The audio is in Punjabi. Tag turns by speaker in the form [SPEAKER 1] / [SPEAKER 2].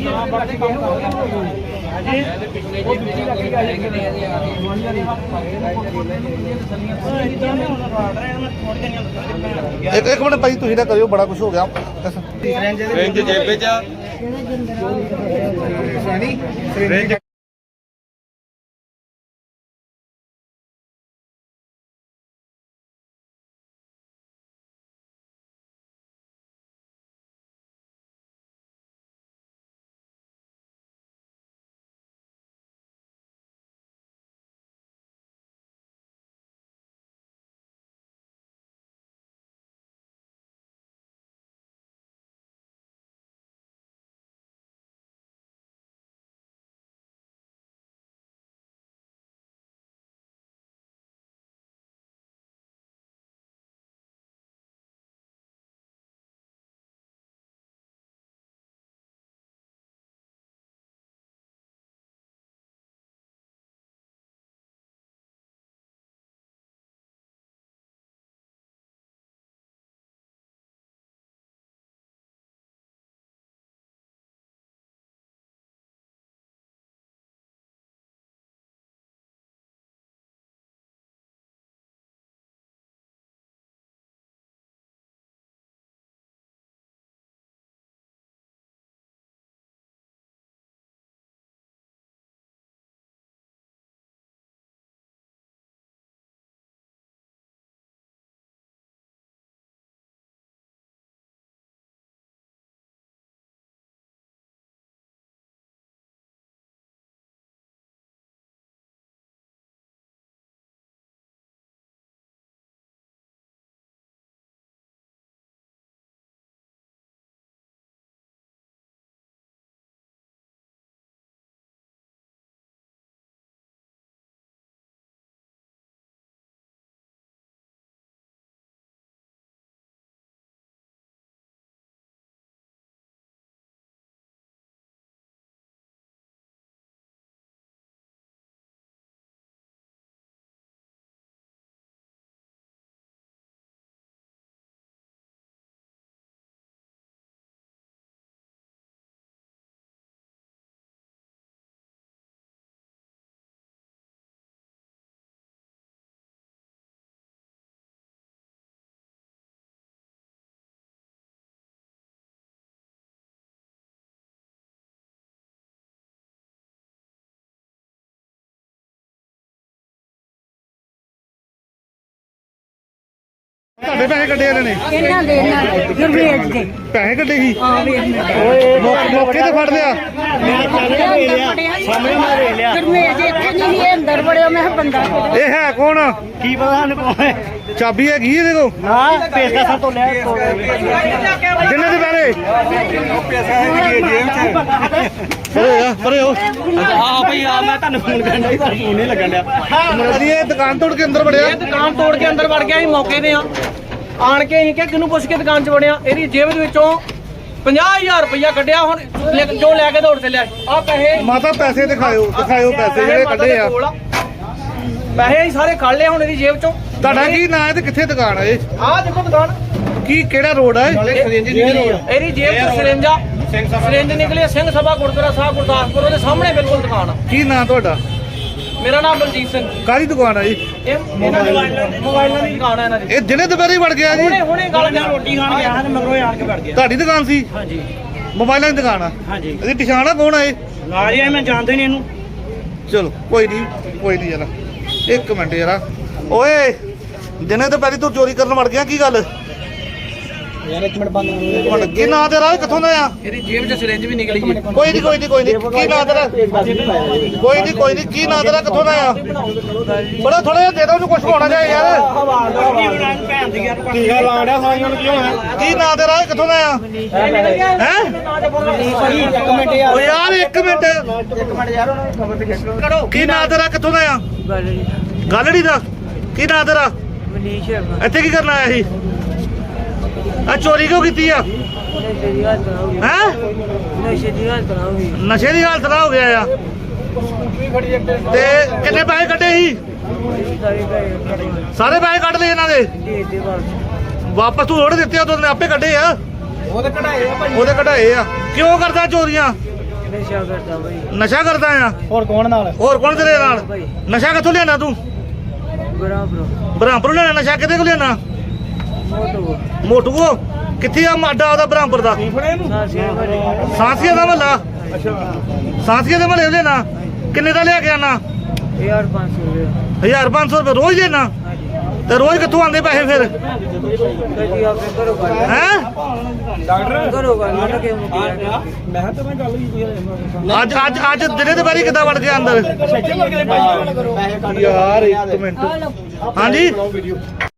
[SPEAKER 1] एक मिनट भाई तुसीं ना करियो बड़ा कुछ हो गया
[SPEAKER 2] रेंज जेबे च रेंज
[SPEAKER 1] ਤੁਹਾਡੇ ਪੈਸੇ ਕੱਢੇ ਇਹਨਾਂ ਨੇ
[SPEAKER 3] ਇਹਨਾਂ ਦੇ ਗੁਰਵੇਜ ਦੇ
[SPEAKER 1] ਪੈਸੇ ਕੱਢੇ ਸੀ
[SPEAKER 3] ਹਾਂ ਵੇਖ
[SPEAKER 1] ਮੌਕੇ ਤੇ ਫੜ ਲਿਆ
[SPEAKER 3] ਸਾਹਮਣੇ ਮੈਂ ਵੇਖ ਲਿਆ ਗੁਰਵੇਜ ਇੱਥੇ ਨਹੀਂ ਇਹ ਅੰਦਰ ਵੜਿਆ ਮੈਂ ਕਿਹਾ ਬੰਦਾ
[SPEAKER 1] ਇਹ ਹੈ ਕੌਣ
[SPEAKER 4] ਕੀ ਪਤਾ ਸਾਨੂੰ ਕੌਣ ਹੈ
[SPEAKER 1] ਚਾਬੀ ਹੈਗੀ ਇਹਦੇ ਕੋਲ
[SPEAKER 4] ਹਾਂ ਪੇਸ਼ਕਸ਼ਾਂ ਤੋਂ ਲੈ
[SPEAKER 1] ਜਿੰਨੇ ਦੇ ਪੈਸੇ ਪਰੇ ਹੋ
[SPEAKER 4] ਆ ਭਈ ਆ ਮੈਂ ਤੁਹਾਨੂੰ ਫੋਨ ਕਰਨ ਦਾ ਫੋਨ ਨਹੀਂ ਲੱਗਣ ਡਿਆ
[SPEAKER 1] ਇਹ ਦੁਕਾਨ ਤੋੜ ਕੇ ਅੰਦਰ ਵੜਿਆ
[SPEAKER 4] ਇਹ ਦੁਕਾਨ ਤੋੜ ਕੇ ਅੰਦਰ ਵੜ ਗਿਆ ਸੀ ਮੌਕੇ ਤੇ ਆਣ ਕੇ ਅਸੀਂ ਕਿ ਕਿਹਨੂੰ ਪੁੱਛ ਕੇ ਦੁਕਾਨ 'ਚ ਵੜਿਆ ਇਹਦੀ ਜੇਬ ਦੇ ਵਿੱਚੋਂ 50000 ਰੁਪਇਆ ਕੱਢਿਆ ਹੁਣ ਜੋ ਲੈ ਕੇ ਦੌੜ ਚੱਲਿਆ ਆ ਪੈਸੇ
[SPEAKER 1] ਮਾਤਾ ਪੈਸੇ ਦਿਖਾਇਓ ਪੈਸੇ ਜਿਹੜੇ ਕੱਢੇ ਆ
[SPEAKER 4] ਪੈਸੇ ਅਸੀਂ ਸਾਰੇ ਕੱਢ ਲਏ ਹੁਣ ਇਹਦੀ ਜੇਬ 'ਚੋਂ
[SPEAKER 1] ਤੁਹਾਡਾ ਕੀ ਨਾਂ ਹੈ ਤੇ ਕਿੱਥੇ ਦੁਕਾਨ ਹੈ ਇਹ
[SPEAKER 4] ਆਹ ਦੇਖੋ ਦੁਕਾਨ
[SPEAKER 1] ਕੀ ਕਿਹੜਾ ਰੋਡ ਹੈ
[SPEAKER 4] ਇਹਦੀ ਜੇਬ 'ਚ ਸਿਰਿੰਜ ਨਿਕਲੀ ਆ, ਸਿੰਘ ਸਭਾ ਗੁਰਦੁਆਰਾ ਸਾਹਿਬ ਗੁਰਦਾਸਪੁਰ ਉਹਦੇ ਸਾਹਮਣੇ ਬਿਲਕੁਲ ਦੁਕਾਨ ਆ
[SPEAKER 1] ਕੀ ਨਾਂ ਤੁਹਾਡਾ
[SPEAKER 4] ਮੇਰਾ ਨਾਮ ਬਲਜੀਤ ਸਿੰਘ
[SPEAKER 1] ਕਾਹਦੀ ਦੁਕਾਨ ਹੈ ਜੀ
[SPEAKER 4] ਇਹ ਇਹਨਾਂ ਦੀ ਮੋਬਾਈਲਾਂ ਦੀ ਦੁਕਾਨ ਹੈ ਇਹਨਾਂ ਦੀ
[SPEAKER 1] ਇਹ ਦਿਨੇ ਦੁਪਹਿਰੇ ਵੜ ਗਿਆ ਜੀ
[SPEAKER 4] ਹੁਣੇ ਗੱਲ ਕਰ ਰੋਟੀ ਖਾਣ ਗਿਆ ਤੇ ਮਗਰੋਂ ਆਣ ਕੇ ਵੜ ਗਿਆ
[SPEAKER 1] ਤੁਹਾਡੀ ਦੁਕਾਨ ਸੀ
[SPEAKER 4] ਹਾਂਜੀ
[SPEAKER 1] ਮੋਬਾਈਲਾਂ ਦੀ ਦੁਕਾਨ ਆ
[SPEAKER 4] ਹਾਂਜੀ
[SPEAKER 1] ਇਹਦੀ ਪਛਾਣ ਆ ਕੌਣ ਆ ਇਹ
[SPEAKER 4] ਨਾਲ ਹੀ ਮੈਂ ਜਾਣਦੇ ਨਹੀਂ ਇਹਨੂੰ
[SPEAKER 1] ਚਲੋ ਕੋਈ ਨਹੀਂ ਜਰਾ ਇੱਕ ਮਿੰਟ ਜਰਾ ਓਏ ਦਿਨੇ ਦੁਪਹਿਰੇ ਤੂੰ ਚੋਰੀ ਕਰਨ ਵੜ ਗਿਆ ਕੀ ਗੱਲ
[SPEAKER 4] ਯਾਰ ਇੱਕ ਮਿੰਟ ਬੰਦ
[SPEAKER 1] ਹੁਣ ਕੀ ਨਾਂ ਤੇਰਾ ਕਿੱਥੋਂ ਦਾ ਆ
[SPEAKER 4] ਇਹਦੀ ਜੇਬ 'ਚ ਸਿਰਿੰਜ ਵੀ ਨਿਕਲੀ ਜੀ
[SPEAKER 1] ਕੋਈ ਨਹੀਂ ਕੀ ਨਾਂ ਤੇਰਾ ਕੋਈ ਨਹੀਂ ਕੀ ਨਾਂ ਤੇਰਾ ਕਿੱਥੋਂ ਦਾ ਆ ਬੜਾ ਥੋੜਾ ਜਿਹਾ ਦੇ ਦੋ ਉਹਨੂੰ ਕੁਝ ਹੋਣਾ ਚਾਹੀਦਾ ਯਾਰ
[SPEAKER 4] ਟੀਕਾ ਲਾੜਿਆ ਸਾਈਆਂ ਨੂੰ ਕੀ ਹੋਣਾ
[SPEAKER 1] ਕੀ ਨਾਂ ਤੇਰਾ ਕਿੱਥੋਂ ਦਾ ਆ ਹੈ
[SPEAKER 4] ਇੱਕ ਮਿੰਟ ਯਾਰ
[SPEAKER 1] ਓ ਯਾਰ ਇੱਕ ਮਿੰਟ
[SPEAKER 4] ਯਾਰ ਉਹਨਾਂ ਨੂੰ ਖਬਰ ਤੇ ਕਰੋ
[SPEAKER 1] ਕੀ ਨਾਂ ਤੇਰਾ ਕਿੱਥੋਂ ਦਾ ਆ ਗਾਲੜੀ ਦਾ ਕੀ ਨਾਂ ਤੇਰਾ
[SPEAKER 3] ਮਨੀਸ਼
[SPEAKER 1] ਇੱਥੇ ਕੀ ਕਰਨ ਆਇਆ ਸੀ ਆ ਚੋਰੀ ਕਿਉਂ ਕੀਤੀ ਆ
[SPEAKER 3] ਨਸ਼ੇ ਦੀ ਹਾਲਤ ਨਾ ਹੋ ਗਈ
[SPEAKER 1] ਹੈ
[SPEAKER 3] ਨਸ਼ੇ ਦੀ ਹਾਲਤ ਨਾ ਹੋ ਗਈ
[SPEAKER 1] ਨਸ਼ੇ ਦੀ ਹਾਲਤ ਨਾ ਹੋ ਗਿਆ ਆ ਤੇ ਕਿੰਨੇ ਪੈਸੇ ਕੱਢੇ ਸੀ ਸਾਰੇ ਪੈਸੇ ਕੱਢ ਲਏ ਇਹਨਾਂ ਦੇ
[SPEAKER 3] ਦੇ
[SPEAKER 1] ਵਾਪਸ ਤੂੰ ਥੋੜੇ ਦਿੱਤੇ ਉਹਨੇ ਆਪੇ ਕੱਢੇ ਆ
[SPEAKER 4] ਉਹਦੇ ਕਢਾਏ ਆ ਭਾਈ
[SPEAKER 1] ਉਹਦੇ ਕਢਾਏ ਆ ਕਿਉਂ ਕਰਦਾ ਚੋਰੀਆਂ
[SPEAKER 3] ਨਸ਼ਾ ਕਰਦਾ ਭਾਈ
[SPEAKER 1] ਨਸ਼ਾ ਕਰਦਾ ਆ
[SPEAKER 4] ਹੋਰ ਕੌਣ ਨਾਲ
[SPEAKER 1] ਹੋਰ ਕੌਣ ਤੇਰੇ ਨਾਲ ਨਸ਼ਾ ਕਿੱਥੋਂ ਲਿਆਣਾ ਤੂੰ
[SPEAKER 3] ਬਰਾਬਰ
[SPEAKER 1] ਬ੍ਰਹਮਪੁਰ ਲਿਆਣਾ ਨਸ਼ਾ ਕਿਤੇ ਕੋ ਲਿਆਣਾ
[SPEAKER 3] ਮੋਟੋ
[SPEAKER 1] ਮੋਟੂ ਕੋ ਕਿੱਥੇ ਆ ਮਾਡਾ ਉਹਦਾ ਬ੍ਰਹਮਪੁਰ ਦਾ
[SPEAKER 3] ਸਾਸੀਆ ਭਾਈ
[SPEAKER 1] ਸਾਂਸੀਆ ਦਾ ਮਹੱਲਾ ਸਾਂਸੀਆ ਦੇ ਮਹੱਲੇ ਲਿਆਣਾ ਕਿੰਨੇ ਦਾ ਲਿਆ ਕੇ ਆਣਾ
[SPEAKER 3] 1500 ਰੁਪਏ
[SPEAKER 1] 1500 ਰੁਪਏ ਰੋਜ਼ ਲੈਣਾ ਤੇ ਰੋਜ਼ ਕਿੱਥੋਂ ਆਉਂਦੇ ਪੈਸੇ ਫਿਰ
[SPEAKER 3] ਕਦੀ ਆਪੇ ਕਰੋ ਗੱਲ
[SPEAKER 1] ਹੈ
[SPEAKER 3] ਕਰੋ ਗੱਲ ਮੈਂ ਕਿ ਮੁਕਿਆ
[SPEAKER 1] ਅੱਜ ਦਿਨੇ ਦੇ ਬਾਰੀ ਕਿੱਦਾਂ ਵੜ ਗਿਆ ਅੰਦਰ ਯਾਰ ਇੱਕ ਮਿੰਟ ਹਾਂਜੀ